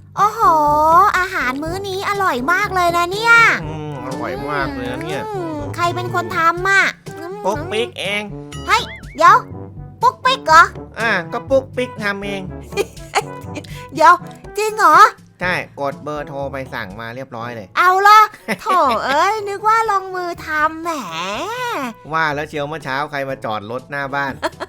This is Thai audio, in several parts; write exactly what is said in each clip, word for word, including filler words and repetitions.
โอ้โหอาหารมื้อนี้อร่อยมากเลยนะเนี่ยอืมอร่อยมากเลยนะเนี่ยอืมใครเป็นคนทำอ่ะอืมปุ๊กปิ๊กเองเฮ้ยเดี๋ยวปุ๊กปิ๊กเหรออ่าก็ปุ๊กปิ๊กทำเองเดี๋ยวจริงเหรอใช่กดเบอร์โทรไปสั่งมาเรียบร้อยเลยเอาละโถเอ้ยนึกว่าลงมือทำแหมว่าแล้วเชียวเมื่อเช้าใครมาจอดรถหน้าบ้าน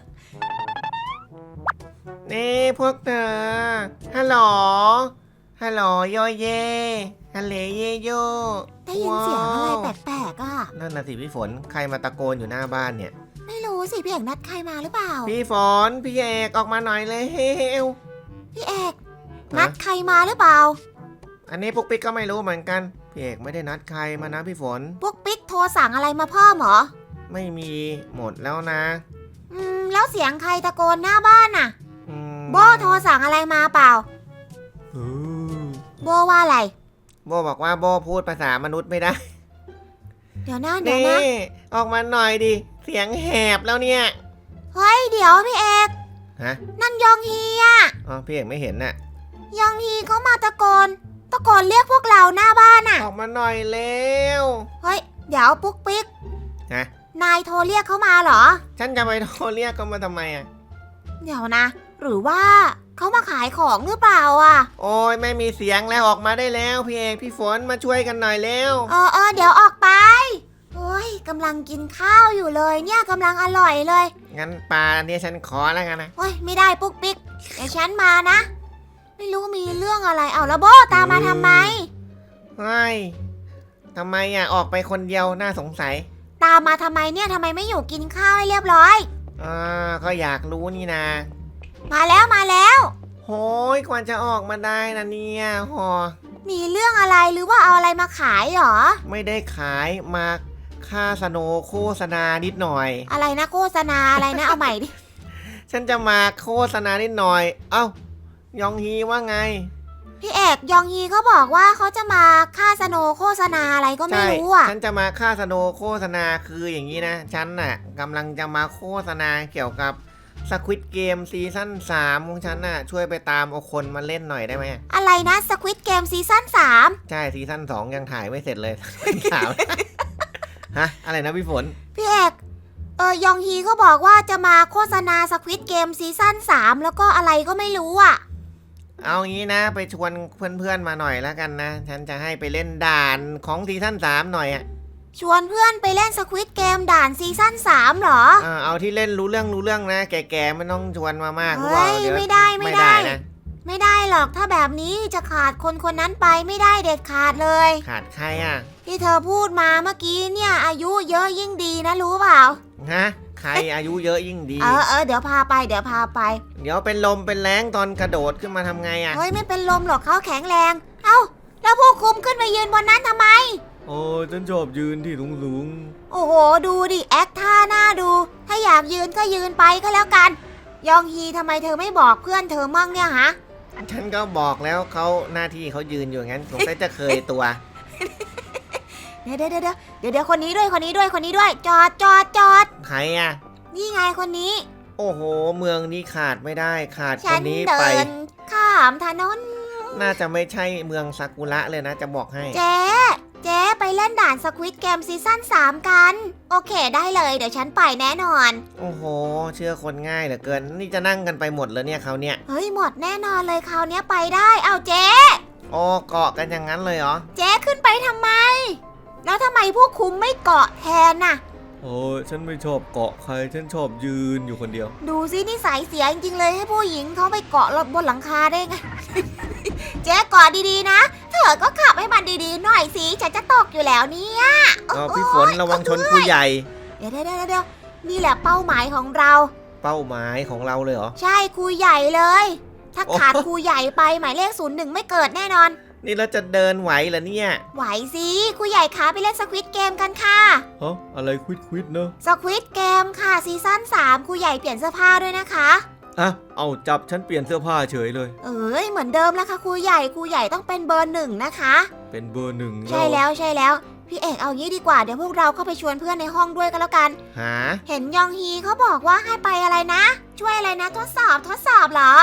นี่พวกเธอฮัลโหลฮัลโหลโยเยฮัลเลเยโยได้ยินเสียงอะไรแปลกๆอ่ะนั่นน่ะสิพี่ฝนใครมาตะโกนอยู่หน้าบ้านเนี่ยไม่รู้สิพี่เอกนัดใครมาหรือเปล่าพี่ฝนพี่เอกออกมาหน่อยเลยเฮวพี่เอกนัดใครมาหรือเปล่าอันนี้ปุ๊กปิ๊กก็ไม่รู้เหมือนกันพี่เอกไม่ได้นัดใครมานะพี่ฝนปุ๊กปิ๊กโทรสั่งอะไรมาเพิ่มเหรอไม่มีหมดแล้วนะอืมแล้วเสียงใครตะโกนหน้าบ้านน่ะอืมโบโทรสั่งอะไรมาเปล่าอืมโบว่าอะไรโบบอกว่าโบพูดภาษามนุษย์ไม่ได้เดี๋ยวนะเดี๋ยวนี่นะออกมาหน่อยดิเสียงแหบแล้วเนี่ยเฮ้ยเดี๋ยวพี่เอกฮะนั่นยองฮีอ่ะอ๋อพี่เอกไม่เห็นน่ะยองฮีเขามาตะโกนตะโกนเรียกพวกเราหน้าบ้านน่ะออกมาหน่อยเร็วเฮ้ยเดี๋ยวปุ๊กปิ๊กฮะนายโทรเรียกเขามาเหรอฉันจะไปโทรเรียกเขามาทำไมอ่ะเดี๋ยวนะ หรือว่าเขามาขายของหรือเปล่าอ่ะโอ้ยไม่มีเสียงแล้วออกมาได้แล้วพี่เอกพี่ฝนมาช่วยกันหน่อยเร็วเออเออเดี๋ยวออกไปโอ้ยกำลังกินข้าวอยู่เลยเนี่ยกำลังอร่อยเลยงั้นปลาเนี่ยฉันขอแล้วกันนะโอ้ยไม่ได้ปุ๊กปิ๊กเดี๋ยวฉันมานะ ไม่รู้มีเรื่องอะไรเอาแล้วโบตามมาทำไมเฮ้ยทำไมอ่ะออกไปคนเดียวน่าสงสัยตามมาทำไมเนี่ยทำไมไม่อยู่กินข้าวให้เรียบร้อยอ่าก็อยากรู้นี่นะมาแล้วมาแล้วโหยกว่าจะออกมาได้นะเนี่ยหอมีเรื่องอะไรหรือว่าเอาอะไรมาขายเหรอไม่ได้ขายมาค่าสโนโฆษณานิดหน่อยอะไรนะโฆษณาอะไรนะเอาใหม่ดิฉันจะมาโฆษณานิดหน่อย เอ้ายองฮีว่าไงพี่เอกยองฮีเขาบอกว่าเขาจะมาค่าสโนว์โฆษณาอะไรก็ไม่ใช่รู้อ่ะฉันจะมาค่าสโนโฆษณาคืออย่างนี้นะ ฉันน่ะกำลังจะมาโฆษณาเกี่ยวกับสควิตเกมซีซั่นสามของฉันน่ะช่วยไปตามเอาคนมาเล่นหน่อยได้ไหมอะไรนะสควิตเกมซีซั่นสามใช่ซีซั่นสองยังถ่ายไม่เสร็จเลย สาม ฮะอะไรนะพี่ฝนพี่เอกเออยองฮีเขาบอกว่าจะมาโฆษณาสควิตเกมซีซั่นสามแล้วก็อะไรก็ไม่รู้อ่ะเอางี้นะไปชวนเพื่อนๆมาหน่อยแล้วกันนะ ฉันจะให้ไปเล่นด่านของซีซั่นสามหน่อยอ่ะชวนเพื่อนไปเล่นสควิตเกมด่านซีซั่นสามเหรอเออเอาที่เล่นรู้เรื่องรู้เรื่องนะ แก่ๆไม่ต้องชวนมามากเฮ้ยเดี๋ยวไม่ได้ไม่ไม่ได้ได้นะไม่ได้หรอกถ้าแบบนี้จะขาดคนคนนั้นไปไม่ได้เด็ดขาดเลยขาดใครอ่ะที่เธอพูดมาเมื่อกี้เนี่ยอายุเยอะยิ่งดีนะรู้เปล่าฮะใครอายุเยอะยิ่งดีเออเออเดี๋ยวพาไปเดี๋ยวพาไปเดี๋ยวเป็นลมเป็นแรงตอนกระโดดขึ้นมาทำไงอ่ะเฮ้ยไม่เป็นลมหรอกเขาแข็งแรง เอ้าแล้วผู้คุมขึ้นไปยืนบนนั้นทำไมโอ้ฉันชอบยืนที่สูงโอ้โหดูดิแอคท่าหน้าดู ถ้าอยากยืนก็ยืนไปก็แล้วกัน ยองฮีทำไมเธอไม่บอกเพื่อนเธอมั่งเนี่ยฮะๆฉันก็บอกแล้วเขาหน้าที่เขายืนอยู่งั้นสงสัยจะเคยตัวเดี๋ยวเดี๋ยวเดี๋ยวเดี๋ยวเดี๋ยวคนนี้ด้วยคนนี้ด้วยคนนี้ด้วย จอดจอดจอดใครอ่ะนี่ไงคนนี้โอ้โห เมืองนี้ขาดไม่ได้ขาดคฉันนนี้เดิไปนข้ามถนนน่าจะไม่ใช่เมืองซากุระเลยนะจะบอกให้เจ๊เจ๊ไปเล่นด่านสควิตเกมซีซั่นสามกัน โอเคได้เลยเดี๋ยวฉันไปแน่นอนโอ้โห เชื่อคนง่ายเหลือเกิน นี่จะนั่งกันไปหมดเลยเนี่ยเขาเนี่ยเฮ้ยหมดแน่นอนเลยคราวนี้ไปได้เอาเจ๊โอ้เกาะกันอย่างนั้นเลยเหรอเจ๊ขึ้นไปทำไม แล้วทำไมผู้คุมไม่เกาะแทนน่ะโอ้ยฉันไม่ชอบเกาะใคร ฉันชอบยืนอยู่คนเดียวดูสินิสัยเสียจริงๆเลยให้ผู้หญิงเขาไปเกาะบนหลังคาได้ไง เจ๊เกาะดีๆนะ เธอก็ขับให้มันดีๆหน่อยสิฉันจะตกอยู่แล้วเนี่ยเออพี่ฝนระวังชนผู้ใหญ่เดี๋ยวเดี๋ยวเดี๋ยวเดี๋ยวนี่แหละเป้าหมายของเราเป้าหมายของเราเลยเหรอใช่ครูใหญ่เลย ถ้าโอ้ขาดครูใหญ่ไปหมายเลขศูนย์หนึ่งไม่เกิดแน่นอนนี่เราจะเดินไหวเหรอเนี่ยไหวสิครูใหญ่คะไปเล่นสควิตเกมกันค่ะฮะ อะไรควิดควิดเนอะสควิตเกมค่ะซีซั่นสามครูใหญ่เปลี่ยนเสื้อผ้าด้วยนะคะอ่ะ เอาจับฉันเปลี่ยนเสื้อผ้าเฉยเลยเอ้ยเหมือนเดิมแล้วค่ะครูใหญ่ครูใหญ่ต้องเป็นเบอร์หนึ่งนะคะเป็นเบอร์หนึ่งใช่แล้วใช่แล้วพี่เอกเอางี้ดีกว่าเดี๋ยวพวกเราเข้าไปชวนเพื่อนในห้องด้วยกันแล้วกันหาเห็นยองฮีเขาบอกว่าให้ไปอะไรนะ ช่วยอะไรนะทดสอบทดสอบเหรอ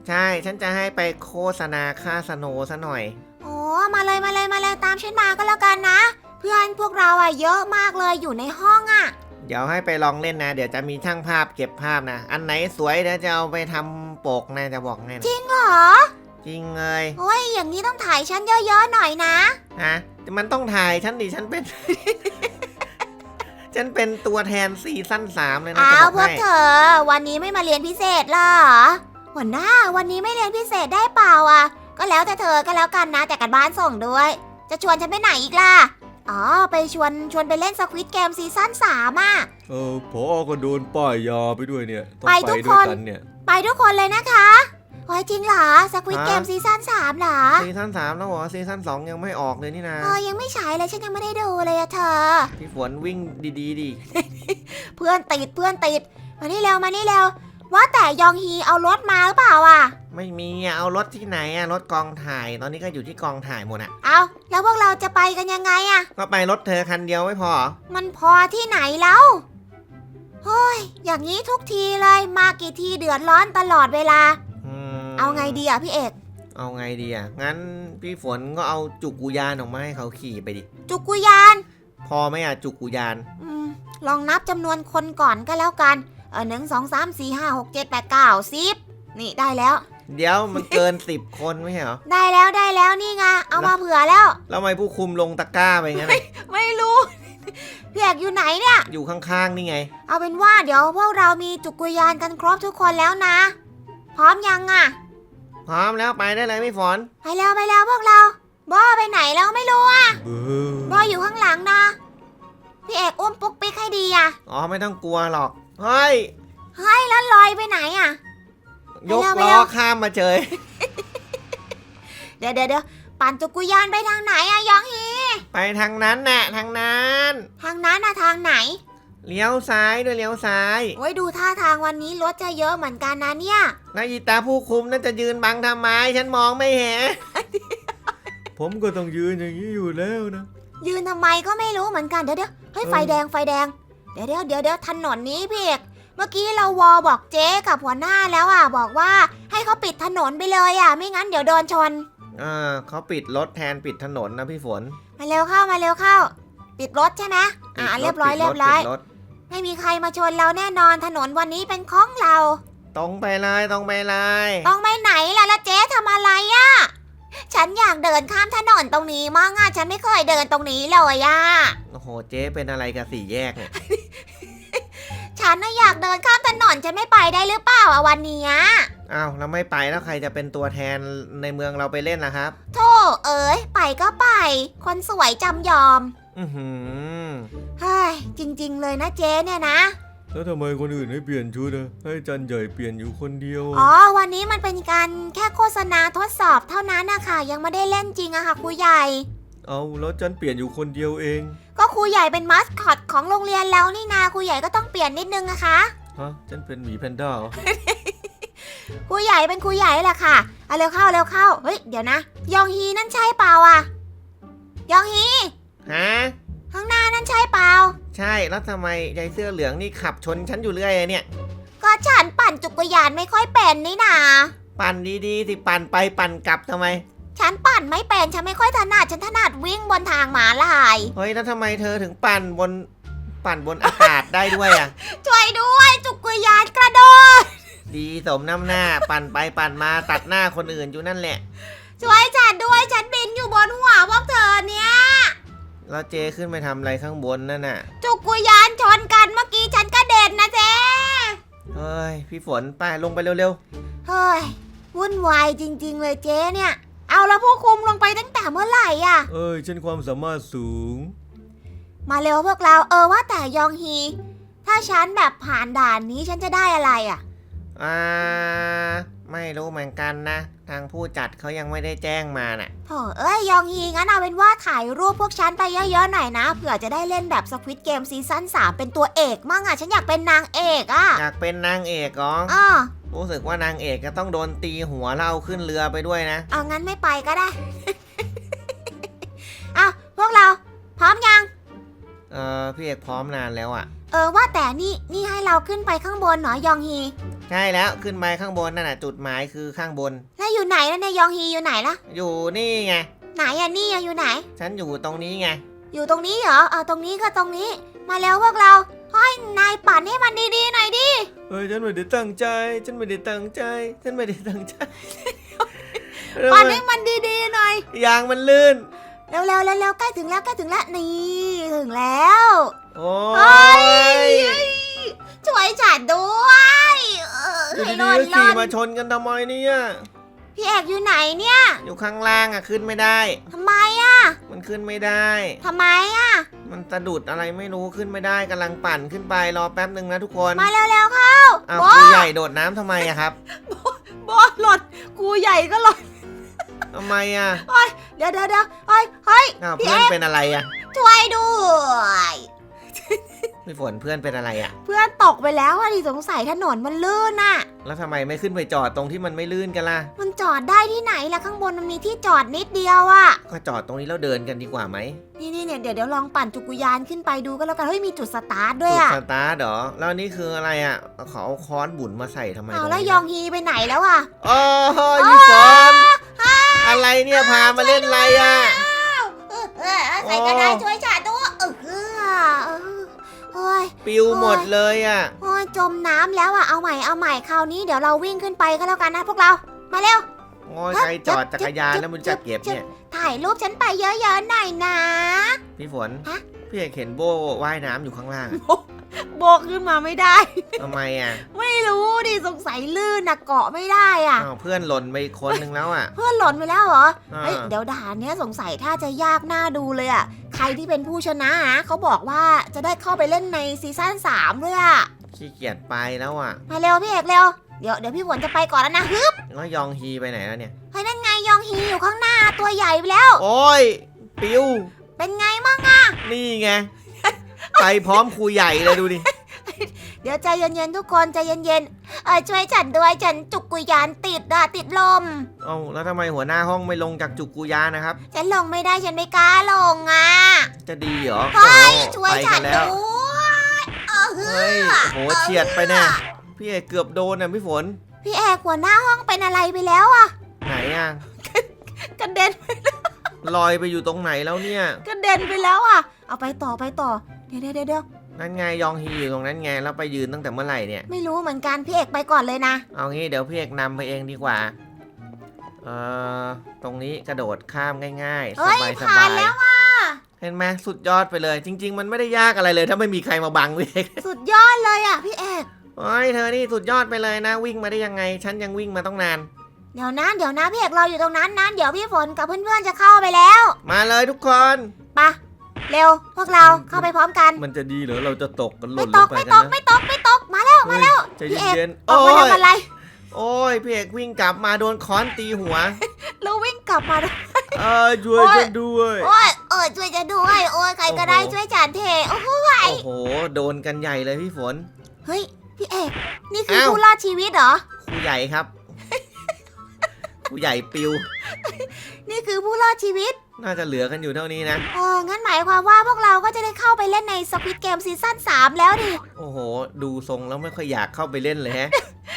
ใช่ ฉันจะให้ไปโฆษณาค่าสโนว์ซะหน่อยโอ้มาเลยมาเลยมาเลยตามฉันมาก็แล้วกันนะ เพื่อนพวกเราอะเยอะมากเลยอยู่ในห้องอะเดี๋ยวให้ไปลองเล่นนะ เดี๋ยวจะมีช่างภาพเก็บภาพนะ อันไหนสวยเดี๋ยวจะเอาไปทำปกนะจะบอกให้นะจริงเหรอจริงเลยโอ้ยอย่างนี้ต้องถ่ายฉันเยอะๆหน่อยนะฮะมันต้องถ่ายฉันดิฉันเป็น ฉันเป็นตัวแทนซีซั่นสามเลยนะอ้าจะวบพวอกกให้เธอวันนี้ไม่มาเรียนพิเศษเหรอหัวหน้าวันนี้ไม่เรียนพิเศษได้เปล่าอ่ะก็แล้วแต่เธอก็แล้วกันนะแต่กันบ้านส่งด้วย จะชวนฉันไปไหนอีกล่ะอ๋อไปชวนชวนไปเล่นสควิดเกมซีซั่นสามอ่ะเออพอก็โดนป้ายยาไปด้วยเนี่ยต้องไปไปทุกด้วยคนกันเนี่ยไปทุกคนเลยนะคะโอ้ยจริงเหรอสควิดเกมซีซั่นสามเหรอซีซั่นสามแล้วเหรอซีซั่นสองยังไม่ออกเลยนี่นะเออยังไม่ฉายเลยฉันยังไม่ได้ดูเลยอะเธอพี่ฝนวิ่งดีๆดิเพื่อนติดเพื่อนติดมานี่เร็วมานี่เร็วว่าแต่ยองฮีเอารถมาหรือเปล่าอ่ะไม่มีอะเอารถที่ไหนอะรถกองถ่าย ตอนนี้ก็อยู่ที่กองถ่ายหมดอะเอาแล้วพวกเราจะไปกันยังไงอะก็ไปรถเธอคันเดียวไม่พอเหรอมันพอที่ไหนแล้วเฮ้ยอย่างนี้ทุกทีเลยมากี่ทีเดือดร้อนตลอดเวลาอืมเอาไงดีอะพี่เอกเอาไงดีอะงั้นพี่ฝนก็เอาจุกุยานออกมาให้เขาขี่ไปดิจุกุยานพอไหมอะจุกุยานอืมลองนับจำนวนคนก่อนก็แล้วกันเออหนึ่งสองสามสี่ห้าหกเจ็ดแปดเก้าสิบนี่ได้แล้วเดี๋ยวมันเกิน สิบคนไม่ใช่เหรอได้แล้วได้แล้วนี่ไงเอามาเผื่อแล้วแล้วทำไมผู้คุมลงตะกร้าไปงั้นอะไม่รู้ พี่เอกอยู่ไหนเนี่ยอยู่ข้างๆนี่ไงเอาเป็นว่าเดี๋ยวพวกเรามีจุกุยานกันครบทุกคนแล้วนะ พร้อมยังอะพร้อมแล้วไปได้เลยพี่ฝนไปแล้วไปแล้วพวกเราบอไปไหนแล้วไม่รู้อะเบอบออยู่ข้างหลังนะ พี่เอกอุ้มปุ๊กปิ๊กให้ดีอะอ๋อไม่ต้องกลัวหรอก เฮ้ยเฮ้ยแล้วลอยไปไหนอะยกไปแล้วไปล้แล้อวข้ามมาเฉยเดี๋ยวเดี๋ยวเดี๋ยวปั่นจุกุยานไปทางไหนอะยองฮีไปทางนั้นน่ะทางนั้นทางนั้นอะทางไหนเลี้ยวซ้ายด้วยเลี้ยวซ้ายโอ้ยดูท่าทางวันนี้รถจะเยอะเหมือนกันนะเนี่ยแล้วอีตาผู้คุมนั่นจะยืนบังทำไมฉันมองไม่เห็นผมก็ต้องยืนอย่างนี้อยู่แล้วนะยืนทำไมก็ไม่รู้เหมือนกันเดี๋ยวเดี๋ยวเฮ้ยเออไฟแดงไฟแดงเดี๋ยวเดี๋ยวเดี๋ยวเดี๋ยวถนนนี้พี่เอกเมื่อกี้เราวอบอกเจ๊กับหัวหน้าแล้วอ่ะบอกว่าให้เขาปิดถนนไปเลยอ่ะไม่งั้นเดี๋ยวโดนชนเออเขาปิดรถแทนปิดถนนนะพี่ฝนมาเร็วเข้ามาเร็วเข้า ปิดรถใช่ไหมอ่าปิดเรียบร้อยปิดเรียบร้อยปิดรถไม่มีใครมาชนเราแน่นอนถนนวันนี้เป็นของเราตรงไปเลยตรงไปเลยต้องไปไหนล่ะแล้วเจ๊ทำอะไรอ่ะฉันอยากเดินข้ามถนนตรงนี้มั่งอ่ะฉันไม่เคยเดินตรงนี้เลยอ่ะโอ้โหเจ๊เป็นอะไรกับสี่แยกเนี่ยฉันน่ะอยากเดินข้ามถนนฉันไม่ไปได้หรือเปล่าอ่ะวันเนี้ยอ้าวแล้วไม่ไปแล้วใครจะเป็นตัวแทนในเมืองเราไปเล่นล่ะครับโธ่เอ๋ยไปก็ไป คนสวยจำยอมอือหือเฮ้ยจริง ๆ เลยนะเจ๊เนี่ยนะแล้วทำไมคนอื่นให้เปลี่ยนชุดอะให้จันใหญ่เปลี่ยนอยู่คนเดียวอะอ๋อวันนี้มันเป็นการแค่โฆษณาทดสอบเท่านั้นนะคะยังไม่ได้เล่นจริงอะค่ะครูใหญ่เอาแล้วจันเปลี่ยนอยู่คนเดียวเองก็ครูใหญ่เป็นมัสคอตของโรงเรียนแล้วนี่นาครูใหญ่ก็ต้องเปลี่ยนนิดนึงนะคะฮะจันเป็นหมีแพนด้าเหรอครูใหญ่เป็นครูใหญ่แหละค่ะเอาเร็วเข้าเร็วเข้าเฮ้ยเดี๋ยวนะ ยองฮีนั่นใช่เปล่าอะยองฮีฮะข้างหน้านั่นใช่เปล่าใช่แล้วทำไมยายเสื้อเหลืองนี่ขับชนฉันอยู่เรื่อยเลยเนี่ยก็ฉันปั่นจักรยานไม่ค่อยเป็นนี่นาปั่นดีๆสิปั่นไปปั่นกลับทำไมฉันปั่นไม่เป็นฉันไม่ค่อยถนัดฉันถนัดวิ่งบนทางม้าลายเฮ้ยแล้วทำไมเธอถึงปั่นบนปั่นบนอากาศได้ด้วยอ่ะช่วยด้วยจักรยานกระโดดดีสมน้ำหน้า ปั่นไปปั่นมาตัดหน้าคนอื่นอยู่นั่นแหละช่วยฉันด้วยฉันบินอยู่บนหัวพวกเธอเนี่ยแล้วเจขึ้นไปทำอะไรข้างบนนั่นน่ะจักรยานชนกันเมื่อกี้ฉันกระเด็นนะเจ๊เฮ้ยพี่ฝนไปลงไปเร็วเฮ้ยวุ่นวายจริง ๆ เลยเจ๊เนี่ย เอาแล้วผู้คุมลงไปตั้งแต่เมื่อไหร่อ่ะเอ้ยฉันความสามารถสูงมาเร็วพวกเราเออว่าแต่ยองฮี ถ้าฉันแบบผ่านด่านนี้ฉันจะได้อะไรอ่ะๆอ่าไม่รู้เหมือนกันนะ ทางผู้จัดเขายังไม่ได้แจ้งมาน่ะโถเอ้ยยองฮีงั้นเอาเป็นว่าถ่ายรูปพวกฉันไปเยอะๆหน่อยนะเผื่อจะได้เล่นแบบสควิดเกมซีซั่นสามเป็นตัวเอกมั่งอ่ะฉันอยากเป็นนางเอกอ่ะอยากเป็นนางเอกเหรออ้อรู้สึกว่านางเอกจะต้องโดนตีหัวแล้วเอาขึ้นเรือไปด้วยนะเอางั้นไม่ไปก็ได้ เอาพวกเรา พร้อมยังเออพี่เอกพร้อมนานแล้วอ่ะเออว่าแต่นี่นี่ให้เราขึ้นไปข้างบนเหรอยองฮีใช่แล้วขึ้นไปข้างบนนั่นน่ะจุดหมายคือข้างบนแล้วอยู่ไหนแล้วเนี่ยยองฮีอยู่ไหนล่ะอยู่นี่ไงไหนอะนี่อะอยู่ไหนฉันอยู่ตรงนี้ไงอยู่ตรงนี้เหรอเออตรงนี้ก็ตรงนี้ มาแล้วพวกเราเฮ้ยนายปั่นให้มันดีๆหน่อยดิเฮ้ยฉันไม่ได้ตั้งใจ ฉันไม่ได้ตั้งใจ ฉันไม่ได้ตั้งใจปั่นให้มันดีๆหน่อยยางมันลื่นเร็วๆเร็วๆใกล้ถึงแล้วใกล้ถึงแล้วนี่ถึงแล้วโอ้เฮ้ยช่วยฉันด้วยเอออยู่ให้ดีรอๆดก็รขี่อดมาชนกันทำไมเนี่ยพี่เอกอยู่ไหนเนี่ยอยู่ข้างล่างอ่ะขึ้นไม่ได้ทำไมอะมันขึ้นไม่ได้ทำไมอะมันสะดุดอะไรไม่รู้ขึ้นไม่ได้กำลังปั่นขึ้นไปรอแป๊บหนึ่งนะทุกคนมาเร็วๆเข้าอ้าวโบครูใหญ่โดดน้ำทำไมอะครับโบหล่นครูใหญ่ก็หล่นทำไมอะเดี๋ยวเดี๋ยวเดี๋ยวเฮ้ยเฮ้ยอ้าวพี่เพื่อนเอกเป็นอะไรอะช่วยด้วยพี่ฝนเพื่อนเป็นอะไรอะเพื่อนตกไปแล้วอะดิสงสัยถนนมันลื่นน่ะแล้วทำไมไม่ขึ้นไปจอดตรงที่มันไม่ลื่นกันล่ะมันจอดได้ที่ไหนล่ะข้างบนมันมีที่จอดนิดเดียวอะก็จอดตรงนี้แล้วเดินกันดีกว่าไหมนี่นี่เนี่ยเดี๋ยวเดี๋ยวลองปั่นจักรยานขึ้นไปดูก็แล้วกันเฮ้ยมีจุดสตาร์ทด้วยจุดอะสตาร์ทเหรอแล้วนี่คืออะไรอะเขาเอาค้อนบุญมาใส่ทำไมเอาตรงแล้วนี้ยองฮีไปไหนแล้วอะโอ้ยพี่ฝนอะไรเนี่ยพามาเล่นอะไรอะเออเออใครก็ได้ช่วยฉันด้วยเออเออเออเฮ้ยปิวหมดเลยอะโอ้ยจมน้ำแล้วอะเอาใหม่เอาใหม่คราวนี้เดี๋ยวเราวิ่งขึ้นไปก็แล้วกันนะพวกเรามาเร็วโอ้ยใครจอดจักรยานแล้วมันจะเก็บเนี่ยถ่ายรูปฉันไปเยอะๆหน่อยนะพี่ฝนฮะพี่เอกเห็นโบว่ายน้ำอยู่ข้างล่างอะโบกขึ้นมาไม่ได้ทำไมอะไม่รู้ดิสงสัยลื่นนะเกาะไม่ได้อะอ้าวเพื่อนหล่นไปอีกคนนึงแล้วอะเพื่อนหล่นไปแล้วเหรออ่าเฮ้ยเดี๋ยวด่านเนี้ยสงสัยถ้าจะยากน่าดูเลยอะใครที่เป็นผู้ชนะนะเขาบอกว่าจะได้เข้าไปเล่นในซีซั่นสามด้วยอะขี้เกียจไปแล้วอะมาเร็วพี่เอกเร็วเดี๋ยวเดี๋ยวพี่ฝนจะไปก่อนแล้วนะฮึบแล้วยองฮีไปไหนแล้วเนี่ยเฮ้ยนั่นไงยองฮีอยู่ข้างหน้าตัวใหญ่ไปแล้วโอ้ยปิวเป็นไงมั่งนี่ไง ไปพร้อมครูใหญ่เลยดูดิเดี๋ยวใจเย็นๆทุกคนใจเย็นๆเออช่วยฉันด้วยฉันจุกกุยานติดอะติดลมเอ้าแล้วทำไมหัวหน้าห้องไม่ลงจากจุกกุยานนะครับฉันลงไม่ได้ฉันไม่กล้าลงอ่ะจะดีเหรอเฮ้ยโอ้ช่วยไปฉักัน นแล้วด้วยเออเฮ้ยโหเฉียดไปแน่พี่เอกเกือบโดนน่ะพี่ฝนพี่เอกหัวหน้าห้องเป็นอะไรไปแล้วอะไหนอ่ะกระเด็นลอยไปอยู่ตรงไหนแล้วเนี่ยกระเด็นไปแล้วอะเอาไปต่อไปต่อเดี๋ยวเดี๋ยวเดี๋ยวนั่นไงยองฮีอยู่ตรงนั้นไงแล้วไปยืนตั้งแต่เมื่อไหร่เนี่ยไม่รู้เหมือนกันพี่เอกไปก่อนเลยนะเอางี้เดี๋ยวพี่เอกนำไปเองดีกว่า เอ่อ ตรงนี้กระโดดข้ามง่ายๆ สเฮ้ยบายสผ่าบาน ยแล้วอะเห็นไหมสุดยอดไปเลย จริง ๆ มันไม่ได้ยากอะไรเลย ถ้าไม่มีใครมาบังพี่เอกสุดยอดเลยอะพี่เอกโอ้ยเธอนี่สุดยอดไปเลยนะ วิ่งมาได้ยังไง ฉันยังวิ่งมาต้องนานเดี๋ยวนะเดี๋ยวนะพี่เอกรออยู่ตรงนั้นนะเดี๋ยวพี่ฝนกับเพื่อนๆจะเข้าไปแล้วมาเลยทุกคนไปะเร็วพวกเราเข้าไปพร้อมกันมันจะดีเหรอเราจะตกกันหไม่ล่นตลงกไปไม่กัตนกนะไม่ตกไม่ตกมาแล้วมาแล้วใจพี่เอกเย็นๆออกโอ้มาย ทำอะไรโอ้ยพี่เอกวิ่งกลับมาโดนค้อนตีหัวแล้ววิ่งกลับมาด้วยเออช่วยฉันด้วยโอ้ยเออช่วยจะด้วยโอ้ยใครก็ได้ช่วยฉันเทโอ้โหโอ้โห โดนกันใหญ่เลยพี่ฝนเฮ้ยพี่เอกนี่คืออ้าวผู้รอดชีวิตเหรอครูใหญ่ครับ ครูใหญ่ปิวนี่คือผู้รอดชีวิตน่าจะเหลือกันอยู่เท่านี้นะเอองั้นหมายความว่าพวกเราก็จะได้เข้าไปเล่นในสควิดเกมซีซั่นสามแล้วดิโอ้โห ดูทรงแล้วไม่ค่อยอยากเข้าไปเล่นเลยฮะ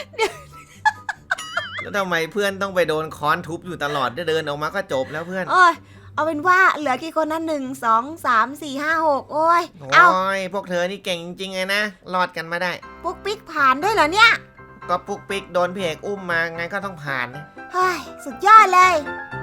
แล้วทำไมเพื่อนต้องไปโดนค้อนทุบอยู่ตลอดเดินออกมาก็จบแล้วเพื่อนโอ้ยเอาเป็นว่าเหลือกี่คนนะหนึ่งสองสามสี่ห้าหกโอ้ยโอ้เอาย พวกเธอนี่เก่งจริงๆเลยนะ รอดกันมาได้ปุ๊กปิ๊กผ่านด้วยเหรอเนี่ยก็ปุ๊กปิ๊กโดนพี่เอกอุ้มมาไงก็ต้องผ่านนะเฮ้ยสุดยอดเลย